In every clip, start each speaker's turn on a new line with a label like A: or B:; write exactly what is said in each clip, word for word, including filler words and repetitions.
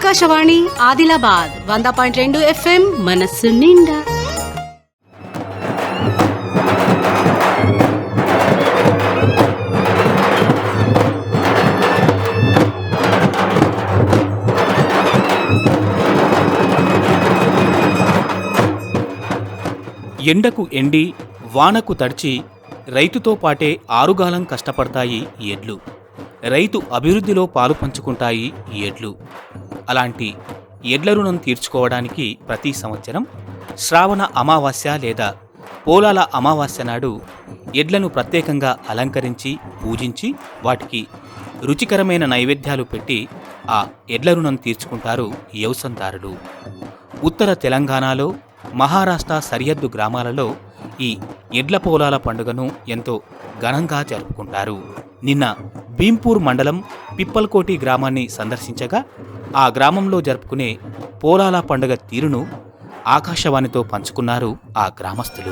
A: ఆకాశవాణి ఆదిలాబాద్ వంద పాయింట్ రెండు ఎఫ్ఎం మనస్సు నిండా.
B: ఎండకు ఎండి వానకు తడిచి రైతుతో పాటే ఆరుగాలం కష్టపడతాయి ఎడ్లు. రైతు అభివృద్ధిలో పాలు పంచుకుంటాయి ఎడ్లు. అలాంటి ఎడ్ల రుణం తీర్చుకోవడానికి ప్రతి సంవత్సరం శ్రావణ అమావాస్య లేదా పోలాల అమావాస్య నాడు ఎడ్లను ప్రత్యేకంగా అలంకరించి పూజించి వాటికి రుచికరమైన నైవేద్యాలు పెట్టి ఆ ఎడ్ల రుణం తీర్చుకుంటారు వ్యవసాయదారులు. ఉత్తర తెలంగాణలో, మహారాష్ట్ర సరిహద్దు గ్రామాలలో ఈ ఎడ్ల పోలాల పండుగను ఎంతో ఘనంగా జరుపుకుంటారు. నిన్న భీంపూర్ మండలం పిప్పల్కోటి గ్రామాన్ని సందర్శించగా ఆ గ్రామంలో జరుపుకునే పోలాల పండుగ తీరును ఆకాశవాణితో పంచుకున్నారు ఆ గ్రామస్తులు.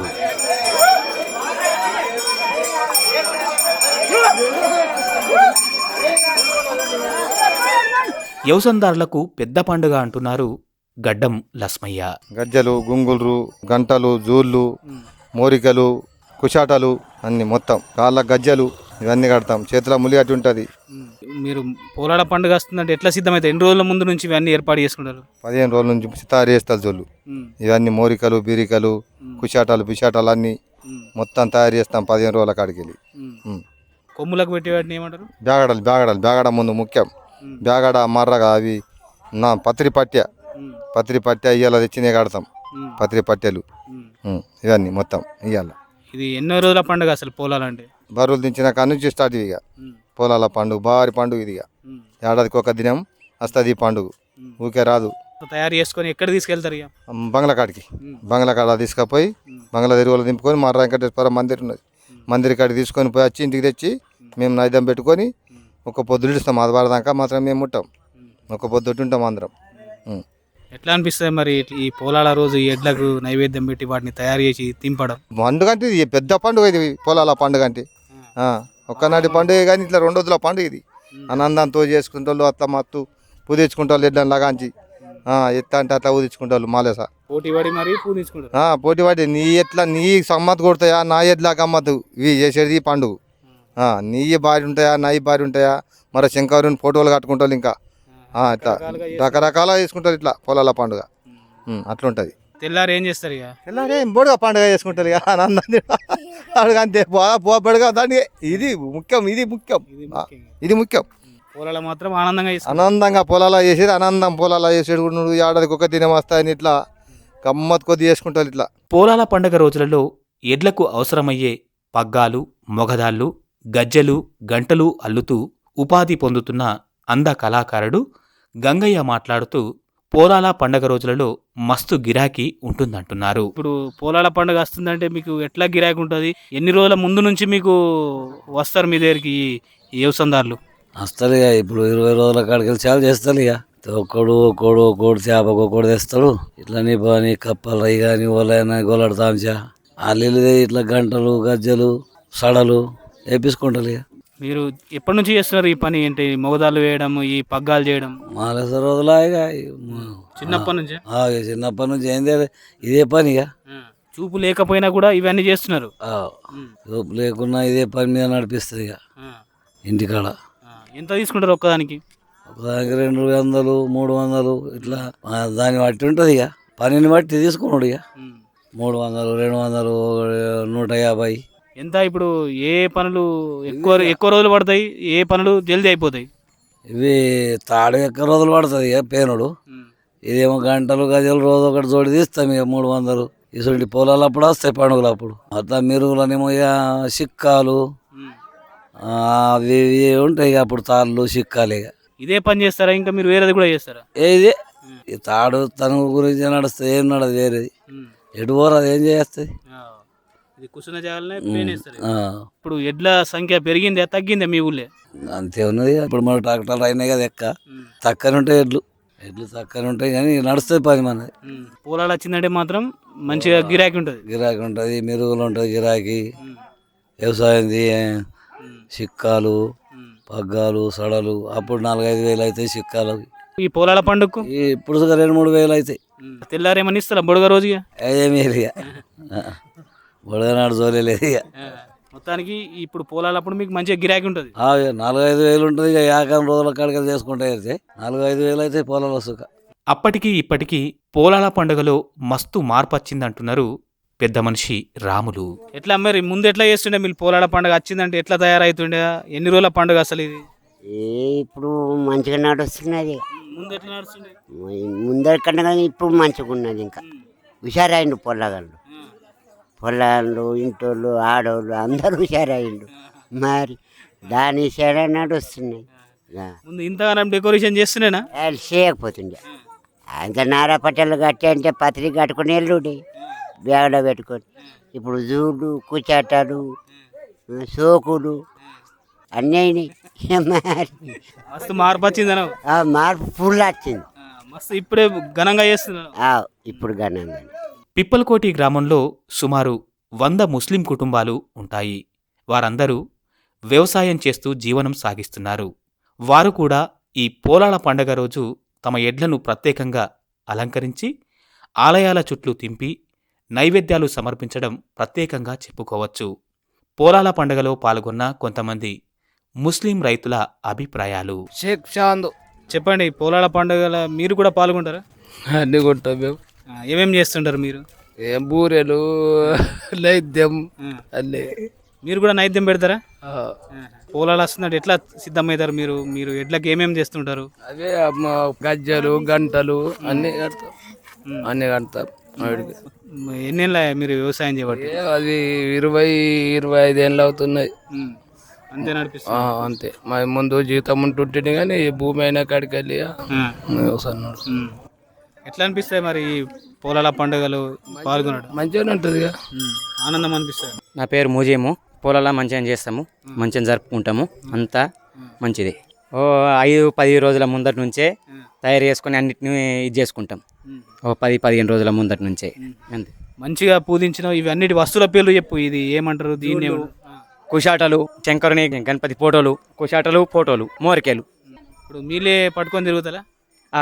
B: వ్యవసాయదారులకు పెద్ద పండుగ అంటున్నారు గడ్డం లస్మయ్య.
C: గజ్జలు, గుంగులు, గంటలు, జూళ్ళు, మోరికలు, కుషాటలు అన్ని మొత్తం కాళ్ళ గజ్జలు ఇవన్నీ కడతాం. చేతిలో ములి అట్టి ఉంటుంది.
D: మీరు పోలాల పండుగ వస్తుందంటే ఎట్లా సిద్ధమైతే ఎన్ని రోజుల ముందు నుంచి ఇవన్నీ ఏర్పాటు చేసుకుంటారు?
C: పదిహేను రోజుల నుంచి తయారు చేస్తారు జోళ్ళు. ఇవన్నీ మోరికలు, బీరికలు, కుషాటాలు, బిషాటాలు అన్ని మొత్తం తయారు చేస్తాం పదిహేను రోజుల కాడికి వెళ్ళి.
D: కొమ్ములకు పెట్టి వాటిని ఏమంటారు?
C: బ్యాగడలు. బ్యాగడలు బ్యాగడ ముందు ముఖ్యం. బ్యాగడ, మర్రగా అవి నా పత్రి పట్టె పత్రి పట్టె ఇవాళ తెచ్చినే కడతాం. పత్రి పట్టెలు ఇవన్నీ మొత్తం ఇవాళ.
D: ఇది ఎన్నో రోజుల పండుగ అసలు పోలాలంటే?
C: బరువులు దించిన కాడ నుంచి స్టార్ట్ ఇక పొలాల పండుగ, భారీ పండుగ ఇది. ఇక ఏడాదికి ఒక దినం వస్తుంది ఈ పండుగ, ఊకే రాదు.
D: తయారు చేసుకొని ఎక్కడ తీసుకెళ్తారు? ఇక
C: బంగ్లా కాడికి. బంగ్లా కాడ తీసుకుపోయి బంగ్లా తిరుగులు దింపుకొని మర్ర వెంకటేశ్వర మందిర్ ఉన్నది, మందిర్ కాడికి తీసుకొని పోయి వచ్చి ఇంటికి తెచ్చి మేము నైదం పెట్టుకొని ఒక పొద్దులు ఇస్తాం. అది వాడదాకా మాత్రం మేము ఉంటాం, ఒక పొద్దుటి ఉంటాం అందరం.
D: ఎట్లా అనిపిస్తుంది మరి ఈ పోలాల రోజు ఎడ్లకు నైవేద్యం పెట్టి వాటిని తయారు చేసి తింపడం?
C: పండుగ అంటే ఇది పెద్ద పండుగ, ఇది పొలాల పండుగ అంటే. ఒక్కనాటి పండుగ కానీ ఇట్లా రెండు రోజుల పండుగ ఇది. ఆనందంతో చేసుకుంటారు. అత్త మత్తు పూదించుకుంటారు ఎడ్లను లాగాంచి. ఎత్త అంటే అట్లా ఊదించుకుంటారు. మాలేస
D: పోటీ పడి మరి పూజించుకుంటారు.
C: పోటీ పడి నీ ఎట్లా నీ సమ్మత్తు కొడతాయా, నా ఎడ్లా గమ్మత్తు ఇవి చేసేది ఈ పండుగ. నీ భార్య ఉంటాయా, నా భార్య ఉంటాయా, మరి శంకరుని ఫోటోలు కట్టుకుంటారు. ఇంకా ఇట్లా రకరకాలుగా చేసుకుంటారు ఇట్లా పొలాల పండుగ అట్లుంటది.
D: తెల్లారు ఏం చేస్తారు? ఇక
C: తెల్లారే బొడుగా పండుగ చేసుకుంటారు. ఇక ఆనందాన్ని పండుగ అంతే పోబడుగా దాన్ని. ఇది ముఖ్యం, ఇది ముఖ్యం, ఇది ముఖ్యం.
D: పొలాల మాత్రం ఆనందంగా
C: ఆనందంగా పొలాల చేసేది, ఆనందం పొలాల చేసేది. ఏడాదికి ఒక దినం వస్తాయని ఇట్లా గమ్మత్ కొద్ది చేసుకుంటారు ఇట్లా.
B: పోలాల పండుగ రోజులలో ఎడ్లకు అవసరమయ్యే పగ్గాలు, మొగదాళ్ళు, గజ్జెలు, గంటలు అల్లుతూ ఉపాధి పొందుతున్న అంద కళాకారుడు గంగయ్య మాట్లాడుతూ పోలాల పండగ రోజులలో మస్తు గిరాకీ ఉంటుందంటున్నారు.
D: ఇప్పుడు పోలాల పండుగ వస్తుందంటే మీకు ఎట్లా గిరాకీ ఉంటుంది? ఎన్ని రోజుల ముందు నుంచి మీకు వస్తారు మీ దగ్గరికి ఈ వ్యవసాయదారులు?
E: వస్తారు ఇక ఇప్పుడు ఇరవై రోజుల కాడికి వెళ్ళి చాలా చేస్తారు. ఇక ఒక్కడు ఒక్కడు ఒక్కడు చేపకు ఒక్కడు తెస్తాడు. ఇట్లా నీ పని కప్పలు అవి కానీ ఓలైనా గోలాడతాంచా అల్లు ఇట్లా గంటలు, గజ్జలు, సడలు వేపించుకుంటారు. ఇక
D: మీరు ఎప్పటి నుంచి చేస్తున్నారు ఈ పని? ఏంటి మొగదాలు వేయడం, ఈ పగ్గాలు చేయడం?
E: మాలేస రోజులా ఇక
D: చిన్నప్పటి నుంచి?
E: చిన్నప్పటి నుంచి ఏంది ఇదే పని. ఇక
D: చూపు లేకపోయినా కూడా ఇవన్నీ చేస్తున్నారు.
E: చూపు లేకున్నా ఇదే పని మీద నడిపిస్తుంది. ఇక ఇంటికాడ
D: ఎంత తీసుకుంటారు ఒక్కదానికి?
E: ఒకదానికి రెండు వందలు మూడు వందలు ఇట్లా దాన్ని బట్టి ఉంటుంది. ఇక పనిని బట్టి తీసుకున్నాడు. ఇక మూడు వందలు రెండు వందలు నూట యాభై
D: ఎంత? ఇప్పుడు ఏ పనులు ఎక్కువ ఎక్కువ రోజులు పడతాయి, ఏ పనులు జల్దీ అయిపోతాయి?
E: ఇవి తాడు ఎక్కువ రోజులు పడుతుంది. ఇక పేనుడు ఇదేమో గంటలు గజలు రోజు ఒకటి జోడి తీస్తాం. ఇక మూడు వందలు ఇటువంటి పొలాలు అప్పుడు వస్తాయి పండుగలు అప్పుడు. అట్లా మెరుగులనేమో ఇక సిక్కాలు అవి ఇవి ఉంటాయి. ఇక అప్పుడు తాళ్ళు సిక్కాలు. ఇక
D: ఇదే పని చేస్తారా? ఇంకా మీరు వేరేది కూడా చేస్తారా?
E: ఏది ఈ తాడు తన గురించి నడుస్తుంది, ఏం నడదు వేరేది. ఎటు పోరు అది ఏం చేస్తుంది.
D: ఇది కూర్చున్న జాగాలనే పేనేస్తారు. ఇప్పుడు ఎడ్ల సంఖ్య పెరిగిందే తగ్గిందే మీ ఊళ్ళే?
E: అంతే ఉన్నది. ఇప్పుడు మన ట్రాక్టర్లు అయినాయి కదా, ఎక్క తక్కని ఉంటాయి ఎడ్లు. ఎడ్లు తక్కని ఉంటాయి కానీ నడుస్తుంది పని మనది.
D: పొలాలు వచ్చిందంటే మాత్రం మంచిగా గిరాకీ ఉంటుంది.
E: గిరాకీ ఉంటుంది, మెరుగులు ఉంటుంది గిరాకీ. వ్యవసాయం సిక్కాలు, పగ్గాలు, సడలు అప్పుడు నాలుగైదు వేలు అవుతాయి సిక్కాలు.
D: ఈ పొలాల పండుగకు
E: ఈ ఇప్పుడు సుగా రెండు మూడు వేలు అవుతాయి.
D: తెల్లారేమని ఇస్తారా బుడగ రోజుగా?
E: ఏమీ ఇక బుడగనాడు జోలేదు ఇక.
D: మొత్తానికి ఇప్పుడు పొలాలప్పుడు మీకు మంచిగా గిరాకీ ఉంటుంది.
E: ఆ, ఇక నాలుగు ఐదు వేలు ఉంటుంది. ఇక యాకం రోజుల కాడికి చేసుకుంటే అయితే నాలుగు ఐదు వేలు అయితే పొలాలు సుఖ.
B: అప్పటికి ఇప్పటికీ పోలాల పండుగలో మస్తు మార్పొచ్చిందంటున్నారు పెద్ద మనిషి రాములు.
D: ఎట్లా మరి ముందు ఎట్లా చేస్తుండే మీరు పొలాల పండుగ వచ్చిందంటే ఎట్లా తయారవుతుండే? ఎన్ని రోజుల పండుగ అసలు ఇది?
F: ఏ ఇప్పుడు మంచిగా నడుస్తున్నది.
D: ముందు ఎట్లా నడుస్తుండే?
F: ముందరి కన్నా కానీ ఇప్పుడు మంచిగా ఉన్నది. ఇంకా హుషారైండు పొల్లగాళ్ళు, పొల్లగాళ్ళు ఇంటోళ్ళు ఆడోళ్ళు అందరూ హుషారైండు. మరి దాని సైడ్ నడుస్తున్నాయి.
D: ముందు ఇంతగానం డెకరేషన్ చేస్తుండేనా?
F: వాళ్ళు చేయకపోతుండే అంత నారా పట్టెలు కట్టి అంటే పత్రిక కట్టుకుని వెళ్ళుండే బ్యాగ్లో పెట్టుకొని. ఇప్పుడు జూడు కుచాటాలు సోకులు అన్నీ అయినాయి. మరి
D: మస్తు మార్పు వచ్చిందన.
F: ఆ మార్పు ఫుల్ వచ్చింది.
D: మస్తు ఇప్పుడే ఘనంగా చేస్తున్నాను.
F: ఆ, ఇప్పుడు ఘనంగా.
B: పిప్పలకోటి గ్రామంలో సుమారు వంద ముస్లిం కుటుంబాలు ఉంటాయి. వారందరూ వ్యవసాయం చేస్తూ జీవనం సాగిస్తున్నారు. వారు కూడా ఈ పోలాల పండగ రోజు తమ ఎడ్లను ప్రత్యేకంగా అలంకరించి ఆలయాల చుట్టూ తింపి నైవేద్యాలు సమర్పించడం ప్రత్యేకంగా చెప్పుకోవచ్చు. పోలాల పండగలో పాల్గొన్న కొంతమంది ముస్లిం రైతుల అభిప్రాయాలు.
G: షేక్ చాంద్.
D: చెప్పండి, పొలాల పండుగల మీరు కూడా పాల్గొంటారా?
G: అన్ని కొంటాం మేము.
D: ఆ, ఏమేం చేస్తుంటారు మీరు?
G: ఏం బూరెలు నైద్యం అన్నీ.
D: మీరు కూడా నైద్యం పెడతారా?
G: ఆ,
D: పొలాలు వస్తుందంటే ఎట్లా సిద్ధమవుతారు మీరు? మీరు ఎడ్లకి ఏమేమి చేస్తుంటారు?
G: అవే అమ్మ గజ్జలు గంటలు అన్నీ కడతాం. అన్నీ కడతాం. వాడికి
D: ఎన్నేళ్ళ మీరు వ్యవసాయం చేయబట్టి?
G: ఏ అది ఇరవై ఇరవై ఐదు ఏళ్ళు అవుతున్నాయి.
D: అంతే
G: ఆ,
D: నడిపిస్తుంది.
G: అంతే. మా ముందు జీతం ఉంటుంటే కానీ ఈ భూమి అయినా కాడికి వెళ్ళి వ్యవసాయం నడుస్తుంది.
D: ఉమ్. ఎట్లా అనిపిస్తాయి మరి ఈ పొలాల పండుగలు పాల్గొనడం?
G: మంచిగానే ఉంటుంది ఇక.
D: ఉమ్. ఆనందం అనిపిస్తుంది.
H: నా పేరు మూజేము. పొలాల మంచిగా చేస్తాము, మంచిగా జరుపుకుంటాము. అంతా మంచిది. ఓ ఐదు పది రోజుల ముందటి నుంచే తయారు చేసుకొని అన్నిటిని ఇది చేసుకుంటాం. ఓ పది పదిహేను రోజుల ముందటి నుంచే అంతే.
D: మంచిగా పూజించిన ఇవి అన్నిటి వస్తువుల పేర్లు చెప్పు. ఇది ఏమంటారు దీన్ని?
H: కుషాటలు, శంకరుని గణపతి ఫోటోలు, కుషాటలు ఫోటోలు, మోరికేలు.
D: ఇప్పుడు మీలే పట్టుకొని తిరుగుతారా?
H: ఆ,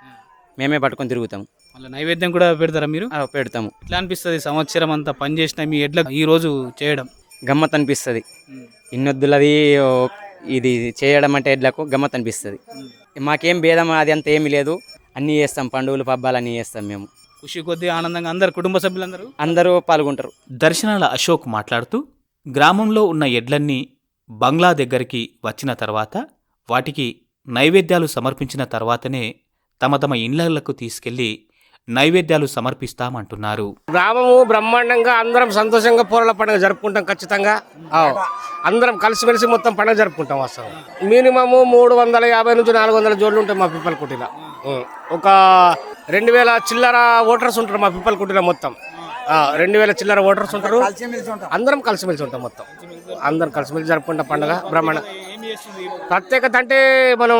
H: మేమే పట్టుకొని తిరుగుతాము.
D: మళ్ళీ నైవేద్యం కూడా పెడతారా మీరు?
H: ఆ, పెడతాము.
D: ఎట్లా అనిపిస్తుంది సంవత్సరం అంతా పని చేసిన మీ ఎడ్ల ఈ రోజు చేయడం?
H: గమ్మత్ అనిపిస్తుంది. ఇన్నొద్దులది ఓ, ఇది చేయడం అంటే ఎడ్లకు గమ్మత్ అనిపిస్తుంది. మాకేం భేదం అది అంత ఏమీ లేదు. అన్నీ చేస్తాం, పండుగలు పబ్బాలు అన్నీ చేస్తాం మేము.
D: ఖుషి కొద్దీ ఆనందంగా అందరు కుటుంబ సభ్యులందరూ
H: అందరూ పాల్గొంటారు.
B: దర్శనాల అశోక్ మాట్లాడుతూ గ్రామంలో ఉన్న ఎడ్లన్నీ బంగ్లా దగ్గరికి వచ్చిన తర్వాత వాటికి నైవేద్యాలు సమర్పించిన తర్వాతనే తమ తమ ఇళ్లకు తీసుకెళ్లి నైవేద్యాలు సమర్పిస్తామంటున్నారు.
I: గ్రామము బ్రహ్మాండంగా అందరం సంతోషంగా పోరాల పండుగ జరుపుకుంటాం ఖచ్చితంగా. ఆ, అందరం కలిసిమెలిసి మొత్తం పండుగ జరుపుకుంటాం. అసలు మినిమము మూడు వందల యాభై నుంచి నాలుగు వందల జోడ్లు ఉంటాయి మా పిప్పలకుటిలో. ఒక రెండు వేల చిల్లర ఓటర్స్ ఉంటారు మా పిప్పలకుటిలో మొత్తం. రెండు వేల చిల్లర ఓటర్స్ ఉంటారు. అందరం కలిసిమెలిసి ఉంటాం మొత్తం. అందరం కలిసిమెలిసి జరుపుకుంటాం పండుగ బ్రహ్మాండ. ప్రత్యేకత అంటే మనం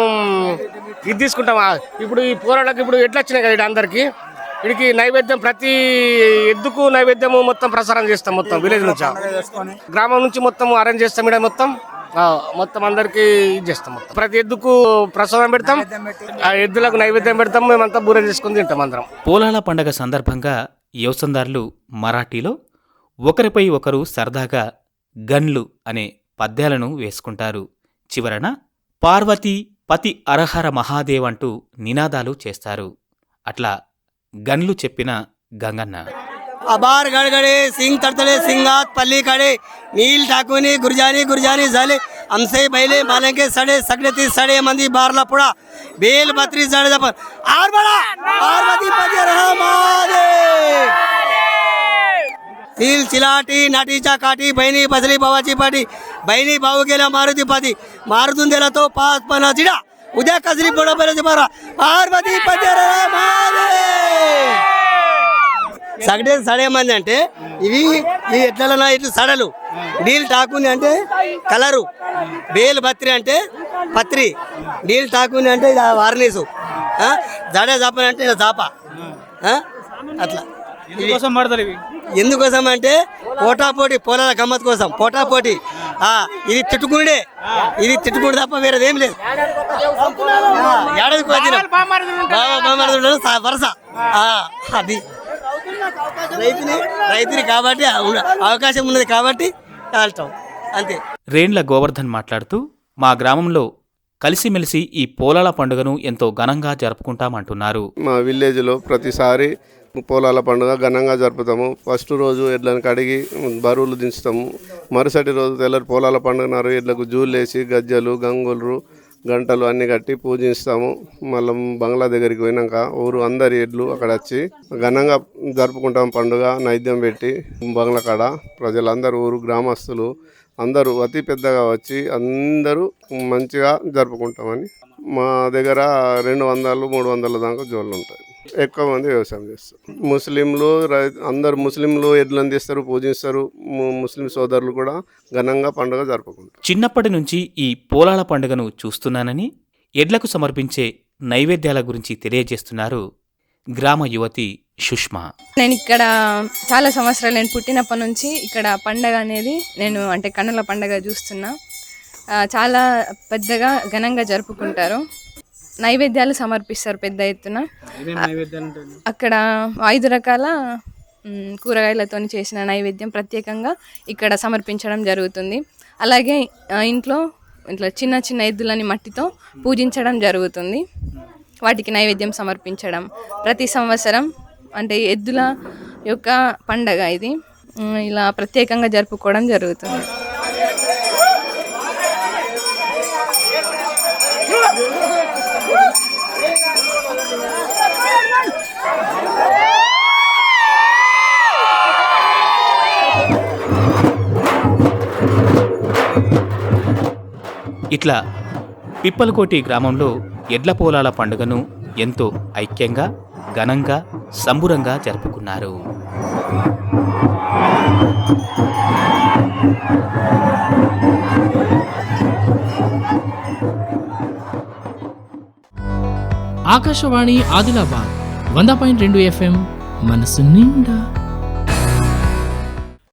I: ఇది తీసుకుంటాం. ఇప్పుడు ఈ పోరాళ్ళకి ఇప్పుడు ఎట్లా వచ్చినాయి కదా ఇక్కడ అందరికి, వీడికి నైవేద్యం ప్రతి ఎద్దుకు నైవేద్యము మొత్తం ప్రసారం చేస్తాం. మొత్తం విలేజ్ నుంచి గ్రామం నుంచి మొత్తం అరేంజ్ చేస్తాం. ఇక్కడ మొత్తం మొత్తం అందరికి ఇది చేస్తాం. మొత్తం ప్రతి ఎద్దుకు ప్రసాదం పెడతాం. ఆ ఎద్దులకు నైవేద్యం పెడతాం. మేమంతా బూరె చేసుకుని తింటాం అందరం.
B: పోలాల పండగ సందర్భంగా వ్యవసాయదారులు మరాఠీలో ఒకరిపై ఒకరు సరదాగా గన్లు అనే పద్యాలను వేసుకుంటారు. చివరన పార్వతీ పతి అరహర మహాదేవ్ అంటూ నినాదాలు చేస్తారు. అట్లా గన్లు చెప్పిన గంగన్న.
J: अबार गड़गड़े सिंह तड़तड़े सिंगात पल्ली खड़े नील ठाकुनी गुरजानी गुरजानी झाले हमसे पहले माले के सड़े सगड़े ती सड़े मंदी बारला पुड़ा बेल बत्री सड़े जपर आर बड़ा पार्वती पति रहा महादेव तिल चिलाटी नाटीचा काटी बहिणी बसली भावाची पाटी बहिणी भाऊ गेला मारुती पाती मारुतून दिला तो पाच पन्नास चिडा उद्या कसरी बरोबर बरा पार्वती पति रहा महादेव. సగడే సడే మంది అంటే ఇవి ఈ ఎట్లా ఇట్లు సడలు డీల్ టాకుని అంటే కలరు బేల్ బత్రి అంటే పత్రి డీల్ టాకుని అంటే ఇది వార్నీసు జడే జాపని అంటే జాప అట్లా
D: ఎందుకోసం పడతారు ఇవి?
J: ఎందుకోసం అంటే పోటాపోటీ పొలాల గమ్మత్ కోసం పోటాపోటీ ఆ, ఇది తిట్టుకునే ఇది తిట్టుకుడు తప్ప వేరేది ఏం లేదు. ఆ, ఏడాదికి ఒక దినం. బావ బామ్మర్ది ఉండడం సా- వరస ఆ, అది రైతుని రైతుని కాబట్టి ఆ ఉన్న- అవకాశం ఉన్నది కాబట్టి కాల్చడం అంతే.
B: రేండ్ల గోవర్ధన్ మాట్లాడుతూ మా గ్రామంలో కలిసిమెలిసి ఈ పోలాల పండుగను ఎంతో ఘనంగా జరుపుకుంటామంటున్నారు.
K: మా విలేజ్లో ప్రతిసారి పోలాల పండుగ ఘనంగా జరుపుతాము. ఫస్ట్ రోజు ఎడ్లను కడిగి బరువులు దించుతాము. మరుసటి రోజు తెల్లరి పోలాల పండుగ నారు ఎడ్లకు జూలేసి గజ్జలు గంగులు గంటలు అన్నీ కట్టి పూజిస్తాము. మళ్ళీ బంగ్లా దగ్గరికి పోయినాక ఊరు అందరి ఎడ్లు అక్కడ వచ్చి ఘనంగా జరుపుకుంటాం పండుగ. నైద్యం పెట్టి బంగ్లా కాడ ప్రజలందరూ ఊరు గ్రామస్తులు అందరూ అతి పెద్దగా వచ్చి అందరూ మంచిగా జరుపుకుంటామని. మా దగ్గర రెండు వందలు మూడు వందల దాకా జోళ్ళు ఉంటాయి. ఎక్కువ మంది వ్యవసాయం చేస్తారు. ముస్లింలు రై అందరు ముస్లింలు ఎడ్లను తీస్తారు, పూజిస్తారు. ము- ముస్లిం సోదరులు కూడా ఘనంగా పండుగ జరుపుకుంటారు.
B: చిన్నప్పటి నుంచి ఈ పోలాల పండుగను చూస్తున్నానని ఎడ్లకు సమర్పించే నైవేద్యాల గురించి తెలియజేస్తున్నారు గ్రామ యువతి సుష్మా.
L: నేను ఇక్కడ చాలా సంవత్సరాలు, నేను పుట్టినప్పటి నుంచి ఇక్కడ పండగ అనేది నేను అంటే కన్నుల పండగ చూస్తున్నా. ఆ, చాలా పెద్దగా ఘనంగా జరుపుకుంటారు. నైవేద్యాలు సమర్పిస్తారు పెద్ద ఎత్తున. అక్కడ ఐదు రకాల మ్, కూరగాయలతో చేసిన నైవేద్యం ప్రత్యేకంగా ఇక్కడ సమర్పించడం జరుగుతుంది. అలాగే ఆ, ఇంట్లో ఇట్లా చిన్న చిన్న ఎద్దులని మట్టితో పూజించడం జరుగుతుంది. వాటికి నైవేద్యం సమర్పించడం ప్రతి సంవత్సరం అంటే ఎద్దుల యొక్క పండగ ఇది మ్, ఇలా ప్రత్యేకంగా జరుపుకోవడం జరుగుతుంది.
B: ఇట్లా పిప్పలకోటి గ్రామంలో ఎడ్ల పోలాల పండుగను ఎంతో ఐక్యంగా ఘనంగా సంబురంగా జరుపుకున్నారు.
M: ఆకాశవాణి ఆదిలాబాద్ వంద పాయింట్ రెండు ఎఫ్ఎం మనసు నిండా.